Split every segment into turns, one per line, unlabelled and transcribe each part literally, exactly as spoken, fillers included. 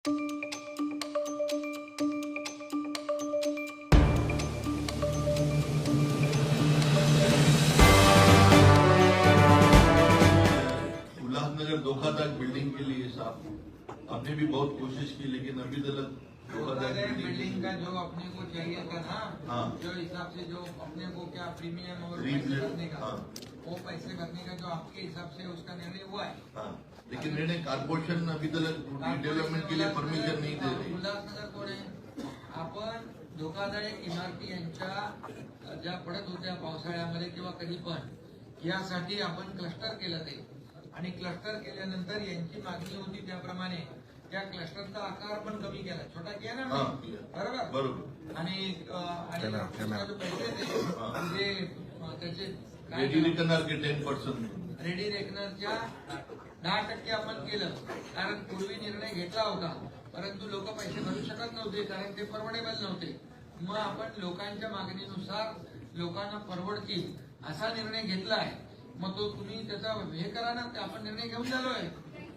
उल्लासनगर धोखाधड़ी बिल्डिंग के लिए साहब आपने भी बहुत कोशिश की, लेकिन अभी तक
बिल्डिंग का जो अपने को चाहिए था ना,
हाँ।
जो हिसाब से जो अपने को क्या प्रीमियम और
प्रीमियम,
पैसे भरने का,
हाँ।
वो पैसे भरने का जो आपके हिसाब से उसका निर्णय हुआ है।
हाँ, लेकिन निर्णय कारपोरेशन अभी तक डेव्हलपमेंट के लिए परमिशन नहीं दे रही।
उल्हासनगर कोण आहे, आपण धोकादायक इमारती यांच्या ज्या पडत होत्या पावसाळ्यामध्ये किंवा कधी पण, यासाठी आपण क्लस्टर केलं ते, आणि क्लस्टर केल्यानंतर यांची मागणी होती त्याप्रमाणे त्या क्लस्टरचा आकार पण कमी केला, छोटा केला ना, बरोबर
बरोबर.
आणि जो पैसे ते त्याचे
रेडी रेकनर के टेन पर्सेंट
रेडी रेकनरच्या दहा टक्के आपण केलं, कारण पूर्वी निर्णय घेतला होता, परंतु लोक पैसे भरू शकत नव्हते कारण ते परवडेबल नव्हते. मग आपण लोकांच्या मागणीनुसार लोकांना परवडतील असा निर्णय घेतला आहे. मग तो तुम्ही त्याचा हे करा ना, आपण निर्णय घेऊन झालोय.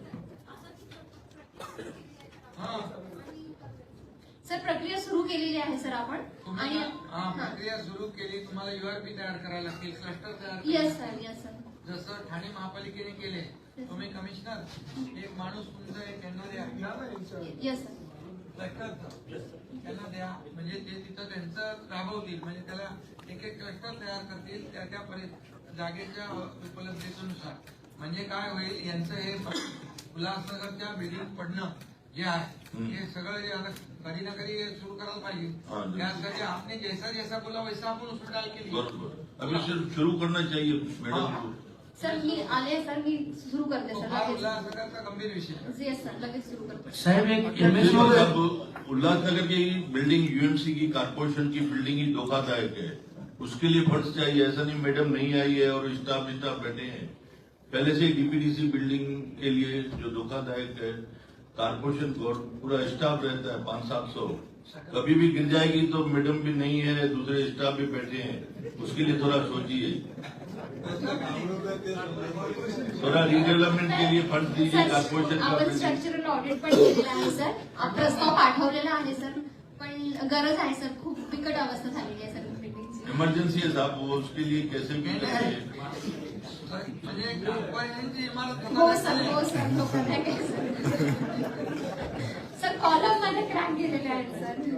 सर प्रक्रिया सुरू केलेली आहे सर आपण,
आणि प्रक्रिया सुरू केली. तुम्हाला युआरपी तयार करायला लागतील, क्लस्टर तयार.
Yes sir, yes sir.
जसं ठाणे महापालिकेने केले, तुम्ही कमिशनर एक माणूस तुमचा एक त्यांना द्या.
Yes sir.
त्यांना द्या, म्हणजे ते तिथं त्यांचं राबवतील, म्हणजे त्याला एक एक क्लस्टर तयार करतील त्या त्या जागेच्या उपलब्धतेनुसार. म्हणजे काय होईल, यांचं हे उल्हासनगरच्या बिल्डिंग पडणं जे आहे हे सगळं जे आता कधी ना कधी सुरू करायला पाहिजे. त्यासाठी आपने जैसा जैसा बोला वैसा आपण उसमें डाल केली.
अभी शुरू करना चाहिए मॅडम.
सर मी आले सर, मी सुरू करते सर.
हा उल्हासनगरचा गंभीर विषय.
येस सर, लगेच सुरू करते
साहेब. एक
उल्लासनगर की बिल्डिंग यूएमसी की कारपोरेशन की बिल्डिंग ही धोखादायक है, उसके लिए फंड्स चाहिए. ऐसा नहीं मैडम नहीं आई है और स्टाफ स्टाफ बैठे हैं. पहले से डीपीडीसी बिल्डिंग के लिए जो धोखादायक है, कारपोरेशन को पूरा स्टाफ रहता है पाँच सात सौ, कभी भी गिर जाएगी तो मैडम भी नहीं है, दूसरे स्टाफ भी बैठे हैं. उसके लिए थोड़ा सोचिए, थोड़ा रिडेवलपमेंट के लिए फंड दीजिए कारपोरेशन.
आपण स्ट्रक्चरल ऑडिट पण केलेलं आहे सर, प्रस्ताव पाठवलेला आहे सर, पण गरज आहे सर, खूप बिकट अवस्था झालेली आहे सर बिल्डिंगची.
इमर्जन्सी है साहब, वो उसके लिए कैसे भी
म्हणजे ग्रामपंचायतीची इमारत.
हो सर, हो सर, धोकादायक आहे सर. सर कॉलम मध्ये क्रॅक गेलेले आहेत सर.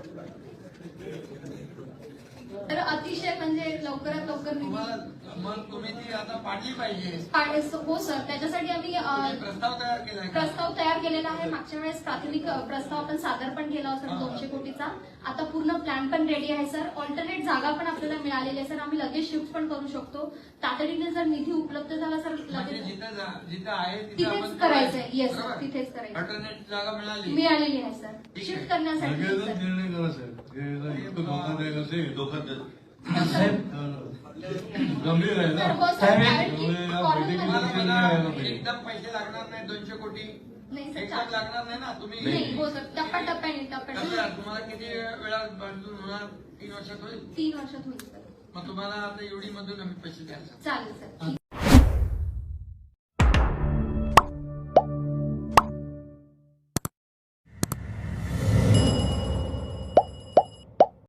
तर अतिशय म्हणजे लवकरात लवकर
मग तुम्ही ती आता पाडली पाहिजे.
हो सर, त्याच्यासाठी आम्ही
प्रस्ताव तयार केला
प्रस्ताव तयार केलेला आहे. मागच्या वेळेस प्राथमिक प्रस्ताव आपण सादर पण केला होता सर दोनशे कोटीचा. आता पूर्ण प्लॅन पण रेडी आहे सर. ऑल्टरनेट जागा पण आपल्याला मिळालेली आहे सर. आम्ही लगेच शिफ्ट पण करू शकतो. तातडीने जर निधी उपलब्ध झाला सर लगेच
जिथं आहे
तिथेच करायचंय. येस सर, तिथेच करायचं.
ऑल्टरनेट जागा मिळाली
मिळालेली आहे सर, शिफ्ट करण्यासाठी.
निर्णय करा साहेब, धोकादायक असेल
धोखादायक
गंभीर आहे ना.
एकदम पैसे लागणार नाही, दोनशे कोटी एकदम लागणार नाही ना. तुम्ही
नाही हो सर, टप्प्याटप्प्याने टप्प्याटप्प्याने.
तुम्हाला किती वेळा बांधून होणार? तीन वर्षात होईल.
तीन वर्षात होईल सर.
मग तुम्हाला आता एवढी मधून आम्ही पैसे द्यायला
चालेल सर.